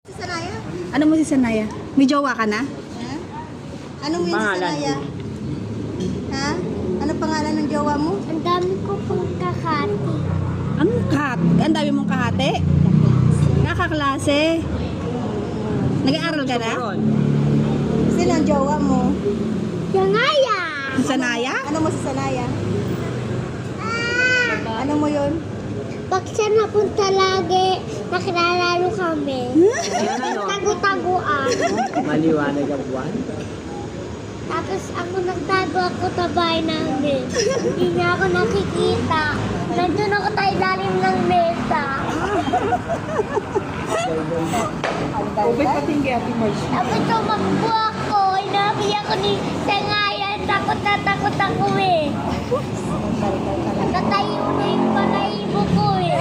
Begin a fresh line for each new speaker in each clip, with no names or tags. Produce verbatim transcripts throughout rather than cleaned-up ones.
Sanaya?
Ano mo si Sanaya? May jowa ka na?
Ha? Ano mo yun si Sanaya? Ha? Ano pangalan ng jowa mo?
Ang dami ko pong kakati.
Anong kat? Ang dami mong kahate? Kakaklase? Nag-aaral ka na?
Sino ang jowa mo?
Yangaya!
Si Sanaya?
Ano mo si Sanaya?
Ah!
Ano mo yun?
Pag siya napunta lagi, nakilalaro kami. Tago-taguan.
Maliwanag ang buwan.
Tapos ako nagtago ako sa bahay namin. Hindi niya ako nakikita. Nandun ako sa ilalim ng mesa.
Ubay patinggi Ate Marge.
Tapos tumakbo ako. Inabi ako ni Sangayan. Takot na takot ako eh. Nakatayo na yung balahibo ko eh.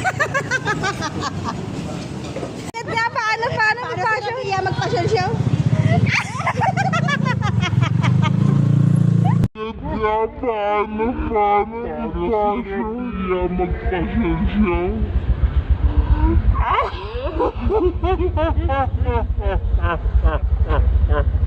Nga, paano, paano,
Paano sila kaya magpa-show show?
Kaya paano, paano, paano siya magpasensyaw? Ah!